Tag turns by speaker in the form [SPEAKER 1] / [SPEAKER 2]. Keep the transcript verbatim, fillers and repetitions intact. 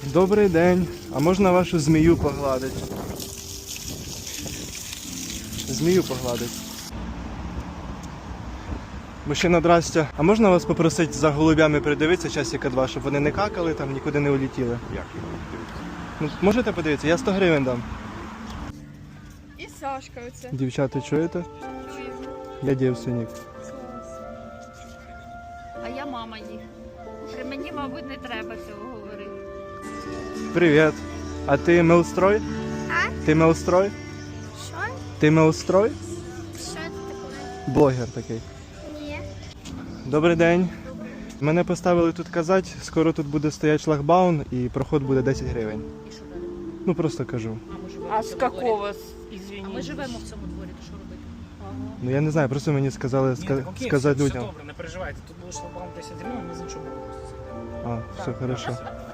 [SPEAKER 1] Добрий день. А можна вашу змію погладити? Змію погладити. Мужчина, здрастя. А можна вас попросити за голубями придивитися часика два, щоб вони не какали, там нікуди не улетіли?
[SPEAKER 2] Як його дивитися?
[SPEAKER 1] Ну, можете подивитися? Я сто гривень дам.
[SPEAKER 3] І Сашка оце.
[SPEAKER 1] Дівчата, чуєте? Я дівственник.
[SPEAKER 4] А я мама їх. При мені, мабуть, не треба цього говорити.
[SPEAKER 1] Привіт. А ти милстрой?
[SPEAKER 3] А?
[SPEAKER 1] Ти милстрой?
[SPEAKER 3] Що?
[SPEAKER 1] Ти милстрой?
[SPEAKER 3] Що це таке?
[SPEAKER 1] Блогер такий.
[SPEAKER 3] Ні.
[SPEAKER 1] Добрий день. Мене поставили тут казати, скоро тут буде стояти шлагбаум і проход буде десять гривень.
[SPEAKER 5] І що далі?
[SPEAKER 1] Ну просто кажу.
[SPEAKER 5] А ми живемо
[SPEAKER 6] А
[SPEAKER 5] в
[SPEAKER 6] з
[SPEAKER 5] цьому
[SPEAKER 6] какого,
[SPEAKER 5] дворі.
[SPEAKER 6] извини?
[SPEAKER 5] А ми живемо в цьому дворі, то що робити?
[SPEAKER 1] Ну я не знаю, просто мені сказали
[SPEAKER 7] Ні,
[SPEAKER 1] ска-
[SPEAKER 7] так окей,
[SPEAKER 1] сказати
[SPEAKER 7] все,
[SPEAKER 1] людям.
[SPEAKER 7] все добре, не переживайте. Тут було шлагбаум десять гривень, ми з іншого боку просто зайдемо.
[SPEAKER 1] А, все хорошо.